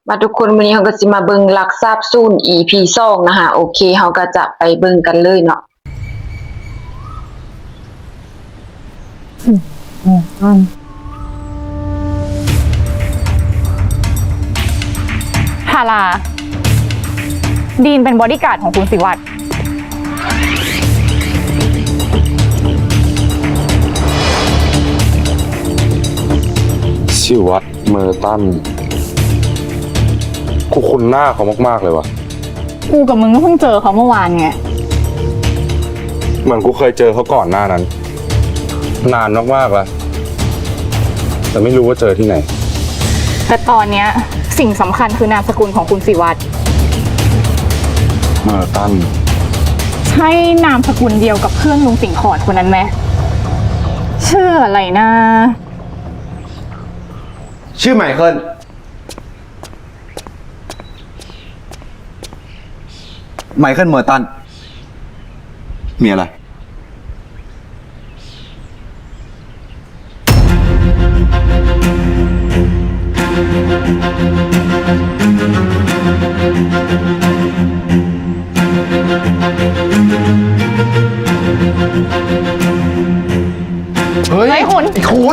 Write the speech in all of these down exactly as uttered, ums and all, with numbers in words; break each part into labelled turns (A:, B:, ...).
A: มาทุกคนวันนี้เราก็สิมาเบิ่งลักทราบสูน อี พี สองนะคะโอเคเราก็จะไปเบิ่งกันเลยเนาะ
B: ทาราดีนเป็นบอดี้การ์ดของคุณสิวัตร
C: สิวัตรเมอร์ตันกูคุ้นหน้าเขามากๆเลยวะ
B: กูกับมึงก็เพิ่งเจอเขาเมื่อวานไง
C: เหมือนกูเคยเจอเขาก่อนหน้านั้นนานมากๆแล้วแต่ไม่รู้ว่าเจอที่ไหน
B: แต่ตอนเนี้ยสิ่งสำคัญคือนามสกุลของคุณสิวัตร
C: เมอร์ตัน
B: ใช่นามสกุลเดียวกับเพื่อนลุงสิงห์ขอดคนนั้นไหมชื่ออะไรนะ
D: ชื่อไมเคิลไมเคิลเมอร์ตันมีอะไรเฮ้ย
B: ไอ้คุณ
D: ไอ้คุณ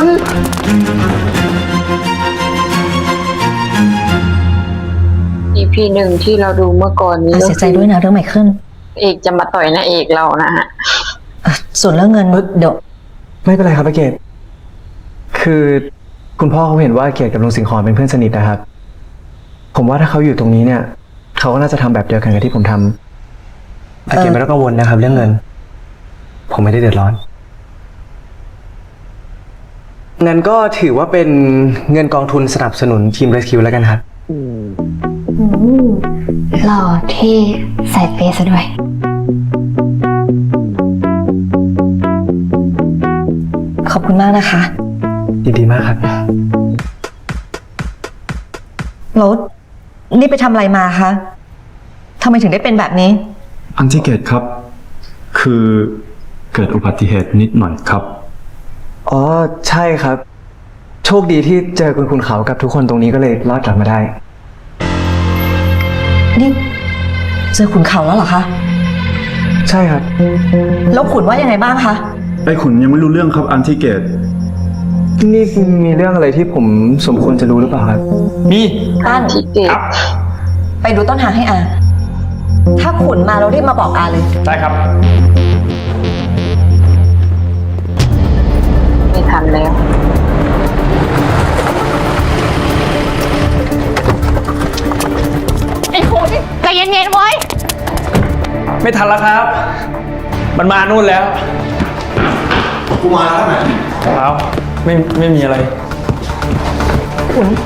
A: อี พี หนึ่งที่เราดูเมื่อก่อนนี้
E: เสียใจด้วยนะเรื่องไมเคิล
A: เอกจะมาต่อยนางเอกเรานะฮะ
E: ส่วนเรื่องเงินเดี๋ยว
F: ไม่เป็นไรครับอาเกตคือคุณพ่อเขาเห็นว่าเกตกับลุงสิงห์ขอนเป็นเพื่อนสนิทนะครับผมว่าถ้าเขาอยู่ตรงนี้เนี่ยเขาก็น่าจะทำแบบเดียวกันกับที่ผมทำอาเกตไม่ต้องกังวลนะครับ เรื่องเงินผมไม่ได้เดือดร้อนงั้นก็ถือว่าเป็นเงินกองทุนสนับสนุนทีมเรสคิวแล้วกันครับ
E: หล่อเท่ใส่เปซะด้วยขอบคุณมากนะคะ
F: ยินดีมากครับ
E: รถนี่ไปทำอะไรมาคะทำไมถึงได้เป็นแบบนี้
G: อันที่เกตครับคือเกิดอุบัติเหตุนิดหน่อยครับ
F: อ๋อใช่ครับโชคดีที่เจอคุณคุณเขากับทุกคนตรงนี้ก็เลยรอดกลับมาได้
E: นี่เจอขุนเขาแล้วเหรอคะ
F: ใช่ครับ
E: แล้วขุนว่ายังไงบ้างคะ
G: ไอ้ขุนยังไม่รู้เรื่องครับอันที่เกต
F: นี่มีเรื่องอะไรที่ผมสมควรจะรู้หรือเปล่าครับ
G: มี
E: ตั้น
G: ครับ
E: ไปดูต้นทางให้อาถ้าขุนมาเรารีบมาบอกอาเลย
G: ได้ครับ
A: ไม่ทันแล้ว
B: ไอ้คุณใจเย็นๆไว้
H: ไม่ทันแล้วครับมันมานู่นแล้ว
D: กูมาแล้วไหม
H: แล้วไม่ไม่มีอะไร
A: เฮ้ย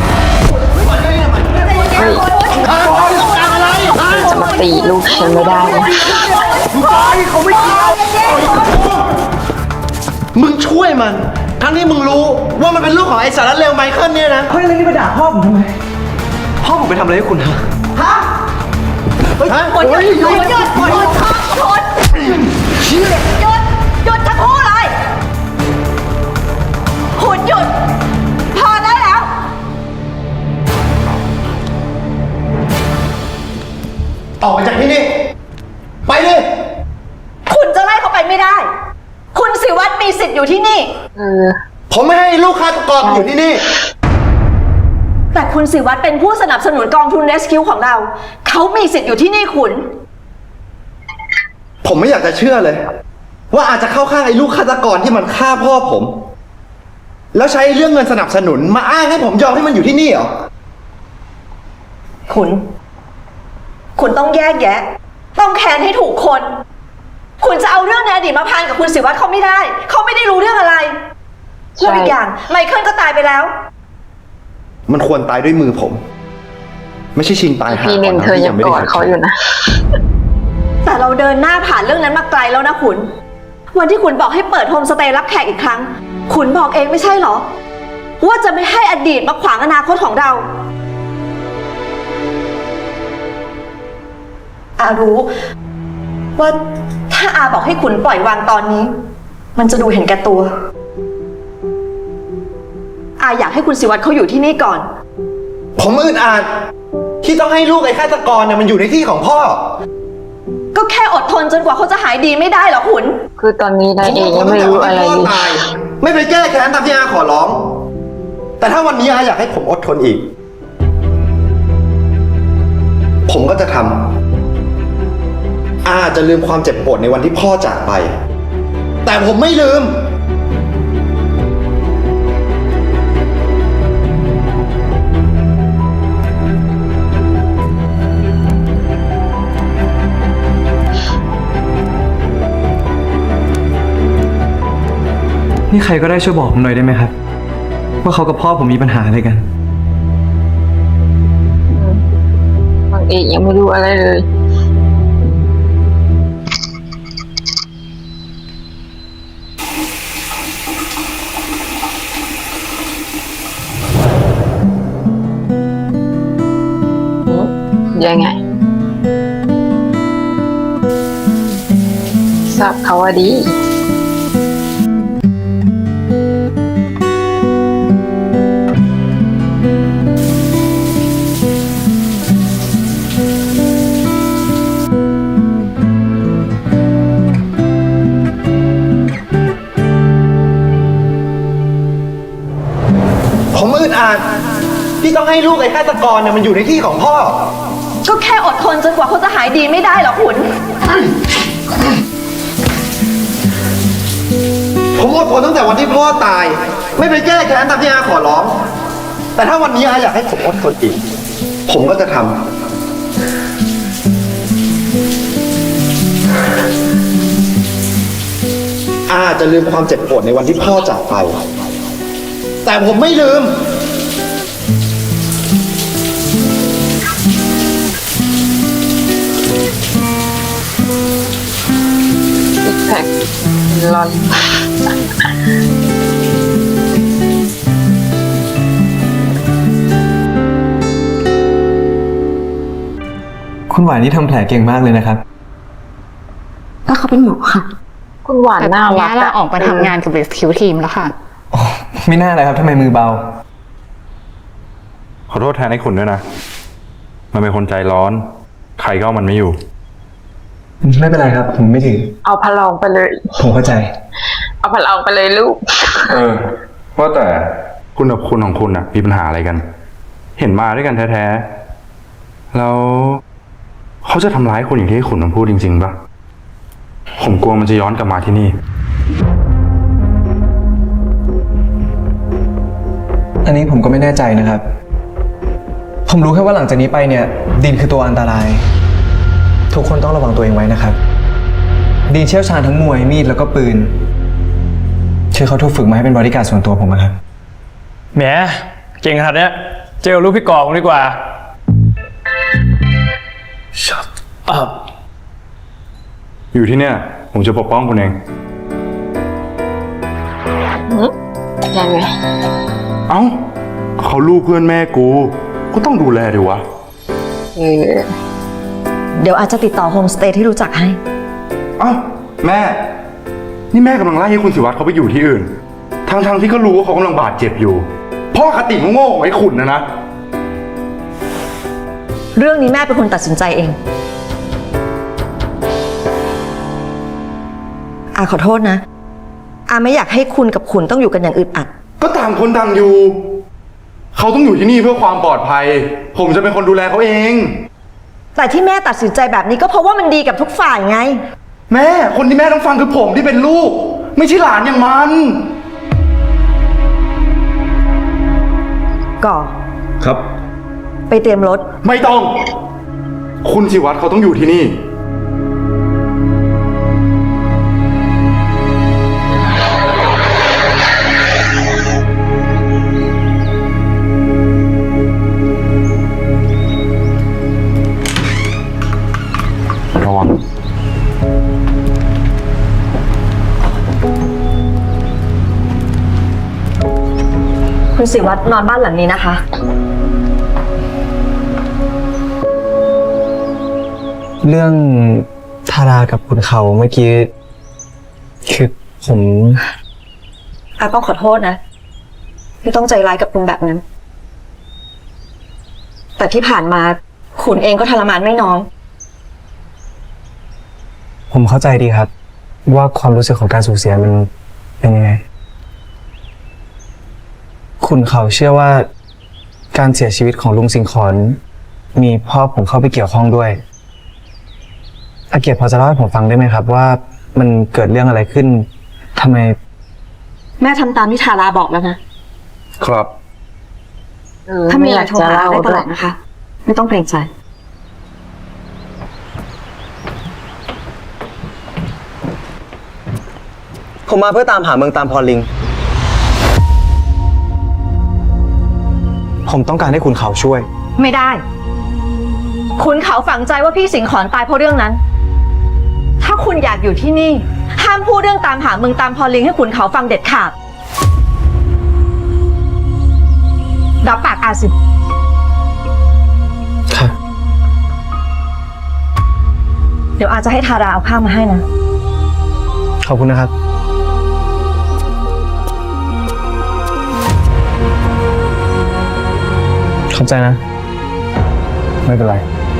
A: จะมาตีลูกฉันไม่ได้นะ
D: เขาไม่เกี่ยวมึงช่วยมันทั้งที่มึงรู้ว่ามันเป็นลูกของไอ้สารเลวไมเคิลเนี่ยนะ
F: เฮ้ยแล้วนี่มาด่าพ่อผมทำไมพ่อผมไปทำอะไรให้คุณฮะ
D: ฮะฮะ
E: หยุดหยุดหยุดหยุดหยุดหยุดหยุดหยุดหยุดทั้งคู่เลยขุนหยุดพอได้แล้ว
D: ออกไปจากที่นี่ไปเลย
E: คุณจะไล่เขาไปไม่ได้คุณสิวัตรมีสิทธิ์อยู่ที่นี่
A: เออ
D: ผมไม่ให้ลูกฆาตกรอยู่ที่นี่
E: แต่คุณสิวัตรเป็นผู้สนับสนุนกองทุน Rescue ของเราเขามีสิทธิ์อยู่ที่นี่ขุน
D: ผมไม่อยากจะเชื่อเลยว่าอาจจะเข้าข้างไอ้ลูกฆาตกรที่มันฆ่าพ่อผมแล้วใช้เรื่องเงินสนับสนุนมาอ้างให้ผมยอมให้มันอยู่ที่นี่เหรอ
E: ขุนคุณต้องแยกแยะต้องแค้นให้ถูกคนคุณจะเอาเรื่องในอดีตมาพันกับคุณสิวัตรเขาไม่ได้เขาไม่ได้รู้เรื่องอะไรแล้วอีกอย่างไมเคิลก็ตายไปแล้ว
D: มันควรตายด้วยมือผมไม่ใช่ชิงตายหา
A: พีหนึ่งเธอยังกอดเขาอยู่นะ
E: แต่เราเดินหน้าผ่านเรื่องนั้นมาไกลแล้วนะขุนวันที่ขุนบอกให้เปิดโฮมสเตย์รับแขกอีกครั้งขุนบอกเองไม่ใช่เหรอว่าจะไม่ให้อดีตมาขวางอนาคตของเราอารู้ว่าถ้าอาบอกให้ขุนปล่อยวางตอนนี้มันจะดูเห็นแก่ตัวอาอยากให้คุณสิวัตรเขาอยู่ที่นี่ก่อน
D: ผมอึดอัดที่ต้องให้ลูกไอ้ฆาตกรเนี่ยมันอยู่ในที่ของพ่อ
E: ก็แค่อดทนจนกว่าเขาจะหายดีไม่ได้เหรอขุน
A: คือตอนนี้นายเอกยังไม่รู้อะไร
D: ผม
A: เล
D: อดทนตั้งแต่วันที่พ่อย ตายไม่ไปแก้แค้นตามที่อาขอร้อง แต่ถ้าวันนี้อาอยากให้ผมอดทนอีก ผมก็จะทำอาจะลืมความเจ็บปวดในวันที่พ่อจากไป แต่ผมไม่ลืม
F: นี่ใครก็ได้ช่วยบอกผมหน่อยได้ไหมครับ ว่าเขากับพ่อผมมีปัญหาอะไรกัน
A: นางเอกยังไม่รู้อะไรเลย ยังไงทราบเขาว่าดี
D: ผมอึดอัดที่ต้องให้ลูกไอ้ฆาตกรเนี่ยมันอยู่ในที่ของพ่อ
E: ก็แค่อดทนจนกว่าเขาจะหายดีไม่ได้เหรอขุน
D: ผมอดทนตั้งแต่วันที่พ่อตาย ไม่ไปแก้แค้นตามที่อาขอร้อง แต่ถ้าวันนี้อาอยากให้ผมอดทนอีก ผมก็จะทำอาจะลืมความเจ็บปวดในวันที่พ่อจากไป แต่ผมไม่ลืม
A: ซิกแพคลอน
F: คุณหวานนี่ทำแผลเก่งมากเลยนะครับ
I: ก็เขาเป็นหมอค่ะ
A: คุณหวาน
B: แต่ต
A: น่า
B: อน
A: รั
B: นี้
A: ก
B: เราออกมาทำงานกับ Rescue Team แล้วค่ะ
F: ไม่น่าเลยครับทำไมมือเบา
C: ขอโทษแทนไอ้ขุนด้วยนะ มันเป็นคนใจร้อน ใครก็เอามันไม่อยู่
F: ไม่เป็นไรครับ ผมไม่ถึง
A: เอาพลองไปเลย
F: ผมเข้าใจ
A: เอาพลองไปเลยลูก
C: เออว่าแต่คุณกับคุณของคุณน่ะ มีปัญหาอะไรกัน เห็นมาด้วยกันแท้ๆแล้วเขาจะทำร้ายคุณอย่างที่ขุนมันพูดจริงๆปะผมกลัวมันจะย้อนกลับมาที่นี่
F: อันนี้ผมก็ไม่แน่ใจนะครับ ผมรู้แค่ว่าหลังจากนี้ไปเนี่ย ดีนคือตัวอันตราย ทุกคนต้องระวังตัวเองไว้นะครับ ดีนเชี่ยวชาญทั้งมวยมีดแล้วก็ปืนเชื่อเขาถูกฝึกมาให้เป็นบริการดส่วนตัวผมนะครับ
H: แหม เก่งขนาดเนี้ย เจอลูกพี่กอกดีกว่า Shut up
C: อยู่ที่เนี่ย ผมจะปกป้องคุณเอง
A: ยังไง
C: เอ้าเขาลูกเพื่อนแม่กู ก็ต้องดูแลดิวะ
A: เออ
E: เดี๋ยวอาจจะติดต่อโฮมสเตย์ที่รู้จักให้
C: เอ้าแม่ นี่แม่กำลังไล่ให้คุณสิวัตรเขาไปอยู่ที่อื่น ทั้งๆที่ก็รู้ว่าเขากำลังบาดเจ็บอยู่ พ่อคติโง่ๆของไอ้ขุนนะนะ
E: เรื่องนี้แม่เป็นคนตัดสินใจเอง อาขอโทษนะ อาไม่อยากให้คุณกับขุนต้องอยู่กันอย่างอึดอัด
C: ก็ต่างคนต่างอยู่ เขาต้องอยู่ที่นี่เพื่อความปลอดภัย ผมจะเป็นคนดูแลเขาเอง
E: แต่ที่แม่ตัดสินใจแบบนี้ก็เพราะว่ามันดีกับทุกฝ่ายไง
C: แม่ คนที่แม่ต้องฟังคือผมที่เป็นลูก ไม่ใช่หลานอย่างมัน
E: ก่อ
G: ครับ
E: ไปเตรียมรถ
C: ไม่ต้อง คุณสิวัตรเขาต้องอยู่ที่นี่ ระวัง
E: คุณศิวัตรนอนบ้านหลังนี้นะคะ
F: เรื่องทารากับคุณเขาเมื่อกี้ คือผม
E: อาต้องขอโทษนะ ไม่ต้องใจร้ายกับคุณแบบนั้นแต่ที่ผ่านมาขุนเองก็ทรมานไม่น้อย
F: ผมเข้าใจดีครับ ว่าความรู้สึกของการสูญเสียมันเป็นยังไง คุณเขาเชื่อว่าการเสียชีวิตของลุงสิงขอนมีพ่อผมเข้าไปเกี่ยวข้องด้วยอาเกียรติพอจะเล่าให้ผมฟังได้ไหมครับ ว่ามันเกิดเรื่องอะไรขึ้นทำไม
E: แม่ทำตามที่ทาราบอกแล้วนะ
C: ครับ
A: เออ
E: ถ้ามีอะไร
A: ยาก
E: โทร
A: จะ
E: หา
A: เล่า
E: ได้ต
A: ด้
E: ล
A: ว
E: อย ดนะคะ ไม่ต้องเกรงใจ
F: ผมมาเพื่อตามหาเมืองตามพรลิง ผมต้องการให้คุณเขาช่วย
E: ไม่ได้ คุณเขาฝังใจว่าพี่สิงขอนตายเพราะเรื่องนั้น ถ้าคุณอยากอยู่ที่นี่ ห้ามพูดเรื่องตามหาเมืองตามพรลิงให้คุณเขาฟังเด็ดขาดรับปากอาสิ
F: ค่ะ
E: เดี๋ยวอาจจะให้ทาราเอาข้าวมาให้นะ
F: ขอบคุณนะครับ ขอบใจนะ ไม่เป็นไร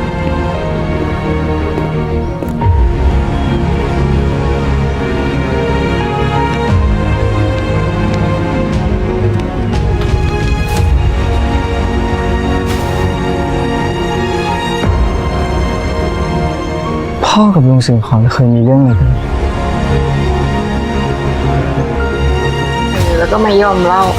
F: พ่อกับลุงสิงขอนเคยมีเรื่องอะไรกัน
A: เออแล้วก็ไม่ยอมเล่า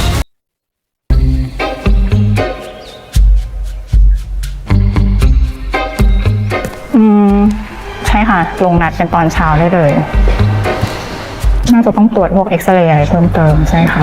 B: อืม ใช่ค่ะ ลงนัดเป็นตอนเช้าได้เลย น่าจะต้องตรวจพวกเอ็กซเรย์อะไรเพิ่มเติมใช่ค่ะ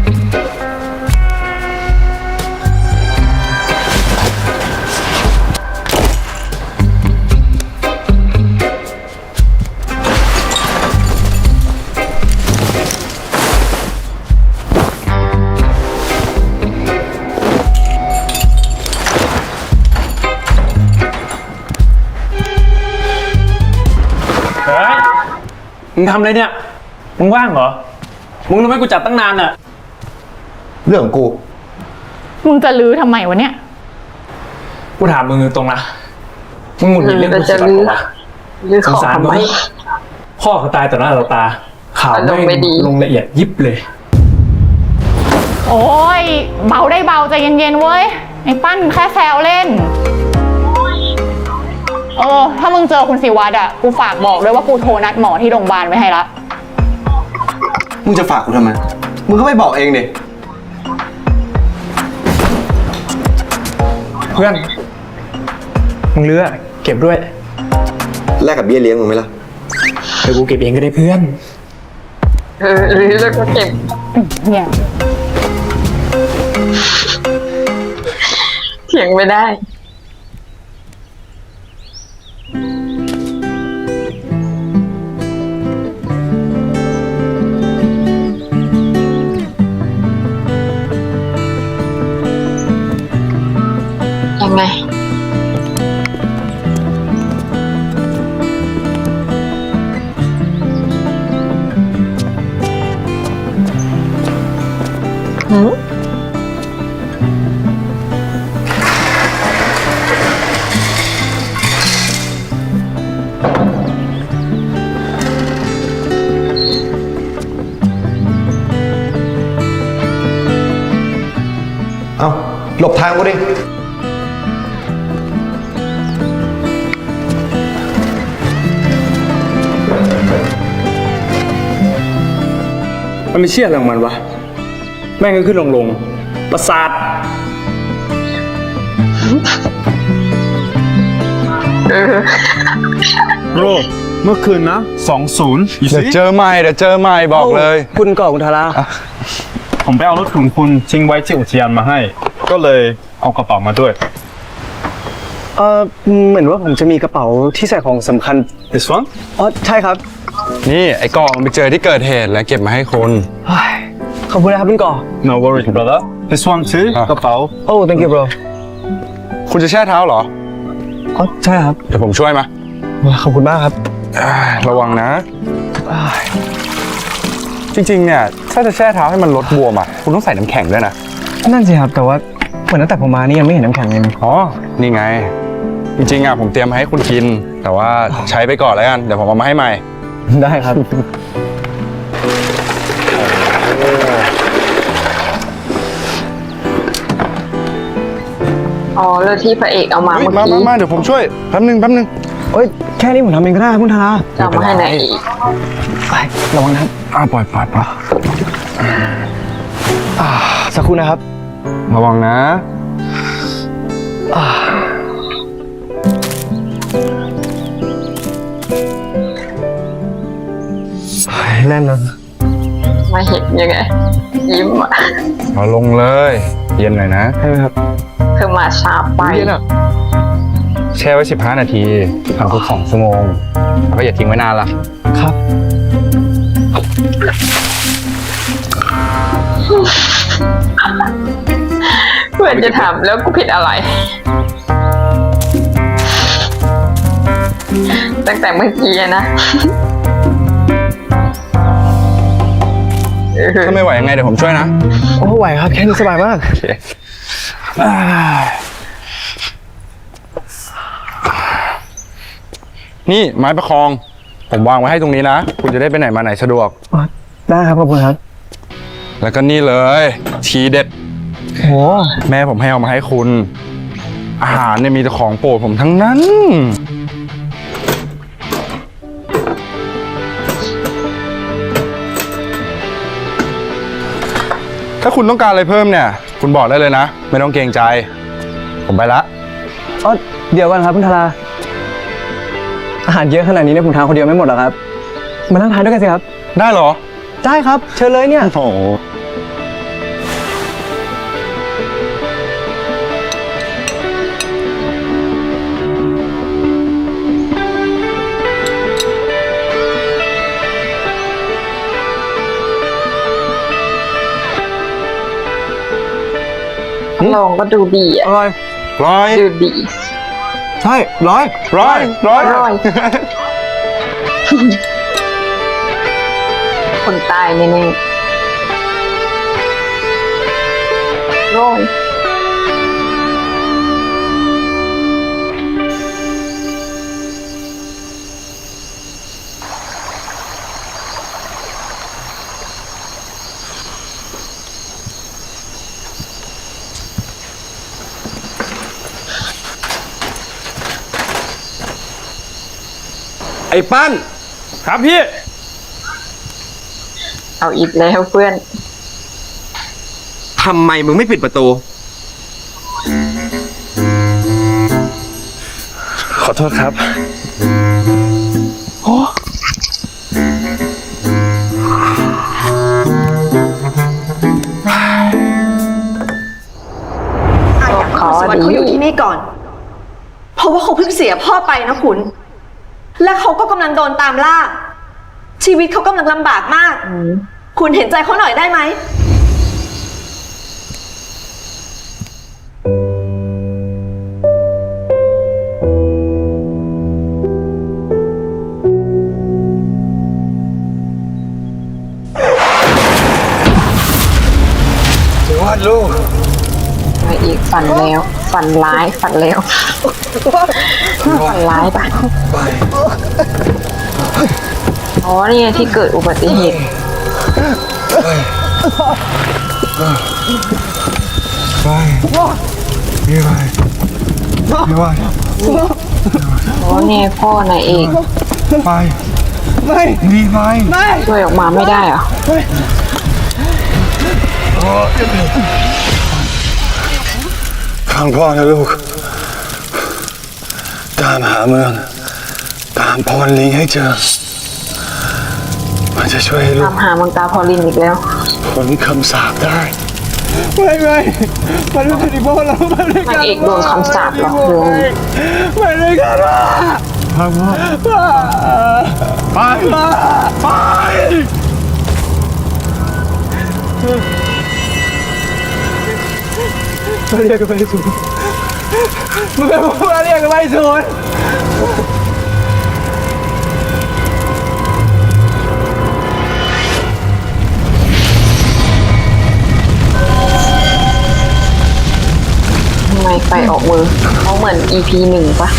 H: เฮ้ย มึงทำอะไรเนี่ย มึงว่างเหรอ มึงรู้ไหมกูจับตั้งนานอะ
D: เรื่องของกู
B: มึงจะลื้อทำไมวะเนี่ย
H: กูถามมึงตรงๆนะ มึงหงุดหงิดเรื่อง
A: เออ
H: กูสิ
A: จะ
H: บั
A: ลื้
H: ต
A: อ
H: รปะ
A: หรือ
H: ส
A: ข
H: ง
A: อ
H: สาร
A: ทำ
H: มึ
A: ไม
H: งพ่อเขาตายต่อหน้าต่อตา ข่าว
A: อารมณ์ไม่
H: ไม่
A: ดี
H: ลงละเอียดยิบเลย
B: โอ้ย เบาได้เบาใจเย็นๆเว้ย ไอ้ปั้นแค่แซวเล่น เออ ถ้ามึงเจอคุณศิวัตรอ่ะ กูฝากบอกด้วยว่ากูโทรนัดหมอที่โรงพยาบาลไว้ให้ละ
D: มึงจะฝากกูทำไม มึงก็ไม่บอกเองดิ
H: เพื่อน มึงเลือกเก็บด้วย
D: แลกกับเบี้ยเลี้ยงมึงไหมล่ะ
H: เดี๋ยวกูเก็บเองก็ได้เพื่อน
A: เออหรือแล้วก็เก็บ
B: เนี่ย
A: เถียงไม่ได้ ยังไง หืม
D: เอ้า หลบทางกูดิ
H: มันไม่เชื่ออะไรของมันวะ แม่งก็ขึ้นลงลงๆประสาท
A: เออ
G: โรเมื่อคืนนะสองศูนย์
C: เดี๋ยวเจอใหม่เดี๋ยวเจอใหม่บอกเลย
F: คุณก่อคุณทารา
G: ผมไปเอารถของคุณทิ้งไว้ที่อุทยานมาให้ ก็เลยเอากระเป๋ามาด้วย
F: เออเหมือนว่าผมจะมีกระเป๋าที่ใส่ของสำคัญ
G: this one
F: อ๋อ ใช่ครับ
C: นี่ไอ้กองไปเจอที่เกิดเหตุแล้วเก็บมาให้คน
F: เฮ้ยขอบคุณนะครับคุณก่อ
G: no worries brother this one too
C: อ่ะ
G: กระเป๋า
F: โอ้ thank you bro
C: คุณจะแช่เท้าเหรอ
F: อ๋อ ใช่ครับ
C: เดี๋ยวผมช่วยมา
F: ขอบคุณมากครับ
C: อ่าระวังนะ จริงๆเนี่ยถ้าจะแช่เท้าให้มันลดบวมอ่ะคุณต้องใส่น้ำแข็งด้วยนะ
F: นั่นสิครับ แต่ว่าเหมือนตั้งแต่ผมมานี่ยังไม่เห็นน้ำแข็งเลยนะ
C: อ๋อ นี่ไง จริงๆอ่ะผมเตรียมมาให้คุณกิน แต่ว่าใช้ไปก่อนแล้วกัน เดี๋ยวผมเอามาให้ใหม่
F: ได้ครับ
A: อ๋อแล้วที่พระเอกเอามา
C: เฮ้ย
A: เมื่อ
C: มา
A: กี้
C: มามาเดี๋ยวผมช่วย แป๊บนึงแป๊บนึง
F: โอ้ยแค่นี้ผมทำเองก็ได้ครับคุณธารา
A: จะเอามาให้ไหนอีก
F: ไประวังนะครับ
C: อ้าวปล่อยปล่อยปล่อย
F: อ่าสักครู่นะครับ
C: ระวังนะ
F: อ่าแน่นนะ
A: มาเห็นยังไง ยิ้มอ่ะ
C: เอาลงเลย เย็นหน่อยนะ
F: ใช่ไหมครับ
A: คือมาช้าไป
F: เย็นอ่ะ
C: แช่ไว้สิบห้านาทีทำทุกสองชั่วโมง แล้วก็อย่าทิ้งไว้นานล่ะ
F: ครับ
A: เพื่อนจะถามแล้วกูผิดอะไร ตั้งแต่เมื่อกี้อะนะ
C: ถ้าไม่ไหวยังไงเดี๋ยวผมช่วยนะ
F: โอ้ไหวครับ แค่นี้สบายมาก
C: โอเคอ่านี่ไม้ประคอง ผมวางไว้ให้ตรงนี้นะ คุณจะได้ไปไหนมาไหนสะดวก
F: ได้ครับขอบคุณครับ
C: แล้วก็นี่เลย ทีเด็ด
F: โอ้
C: แม่ผมให้เอามาให้คุณ อาหารเนี่ยมีแต่ของโปรดผมทั้งนั้น ถ้าคุณต้องการอะไรเพิ่มเนี่ย คุณบอกได้เลยนะ ไม่ต้องเกรงใจ ผมไปละ
F: อ๋อเดี๋ยวก่อนครับคุณธาราอาหารเยอะขนาดนี้เนี่ยผมทานคนเดียวไม่หมดหรอกครับ มานั่งทานด้วยกันสิครับ
C: ได้เหรอ
F: ได้ครับ เชิญเลยเนี่ย
C: โอ้โห
A: ลองก็ดูดีอ่ะ
F: อร่อย
C: ร้อย
A: ดูดี
F: ใช่ ร้อย
C: ร้อยร้อย
A: ร้อย คนตายแน่ๆร้อย
D: ไอ้ปั้น
H: ครับพี่
A: เอาอีกแล้วเพื่อน
D: ทำไมมึงไม่ปิดประตู
F: ขอโทษครับ
E: อาอยากให้คุณสวัสดิ์เขาอยู่ที่นี่ก่อน เพราะว่าเขาเพิ่งเสียพ่อไปนะคุณ และเขาก็กำลังโดนตามล่า ชีวิตเขากำลังลำบากมาก คุณเห็นใจเขาหน่อยได้ไหม
F: วาดลูก
A: มาอีกฝันแล้ว ฝันร้ายฝันแล้ว ฝันร้ายปะอ๋อนี่ไงที่เกิดอุบัติเหตุ
C: ไปนี่ไปนี่ไป
A: อ๋อเนี่ยพ่อนายเอก
C: ไปไม่นี่ไป
A: ช่วยออกมาไม่ได้เหรอ
C: ฟังพ่อนะลูก ตามหาเมือง ตามพรลิงให้เจอ มันจะช่วยให้ลู
A: ตาก มหามังกาพอลินอีกแล้ว
C: พ้นคำสาปได้
F: ไม่ไม่มันไม่ใช่ที่พ่อเราไม่ได้
A: นางเอกโดนคำสาปหรอกเลย
F: ไม่ได้กันว่า
C: พังพ่อไปไป
F: มาเรียกกันไปสูนมึงเป็นพวกมาเรียกกันไปสูน
A: ไปออกมือเขาเหมือน อี พี หนึ่งปะ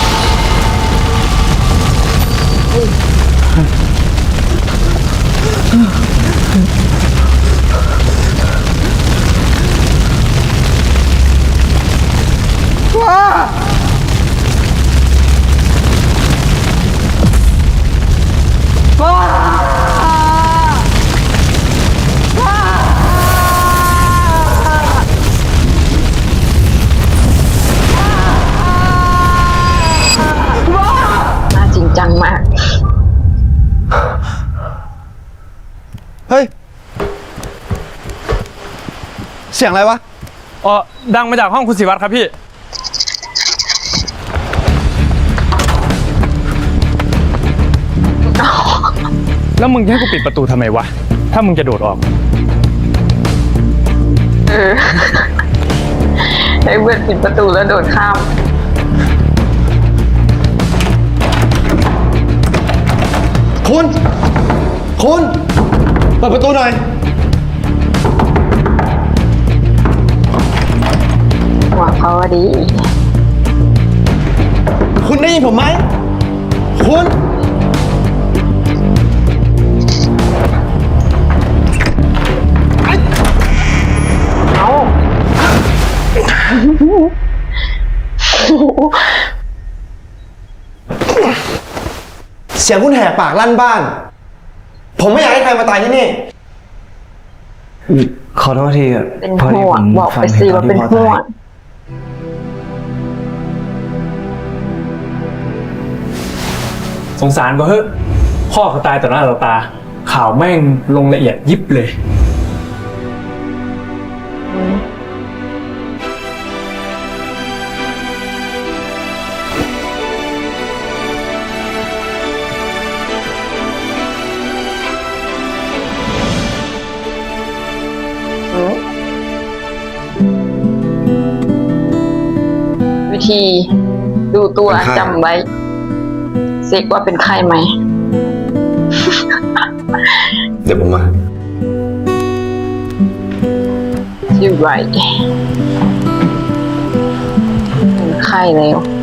A: น่าจริงจังมาก
D: เฮ้ย เสียงอะไรวะ
H: เออดังมาจากห้องคุณศิวัตรครับพี่ แล้วมึงจะให้กูปิดประตูทำไมวะ ถ้ามึงจะโดดออก
A: เออ ให้เพื่อนปิดประตูแล้วโดดข้าม
D: คุณ คุณ เปิดประตูหน่อย
A: หวังเขาว่าดี
D: คุณได้ยินผมไหม คุณ
A: เอา
D: เสียงคุณแหกปากลั่นบ้าน ผมไม่อยากให้ใครมาตายที่นี่
F: ขอโทษทีอะ
A: เป็น
F: พอดี
A: ห่ว
F: ผ
A: ง
F: ม
A: บอก
F: ฟั
A: ไป
F: ง
A: สิ
F: เหตุ
A: ว่า
F: การณ์
A: เป็น
F: ที่พ่อ
A: ห่ว
F: ตาย
A: ง
H: สงสารก็เฮ้ยพ่อเขาตายต่อหน้าต่อตา ข่าวแม่งลงละเอียดยิบเลย
A: วิธีดูตัว
D: เป็นไข้
A: จำไว้เซ็กว่าเป็นไข้ไหม
D: เดี๋ยวผมมา
A: ชื่อไรเป็นไข้แล้ว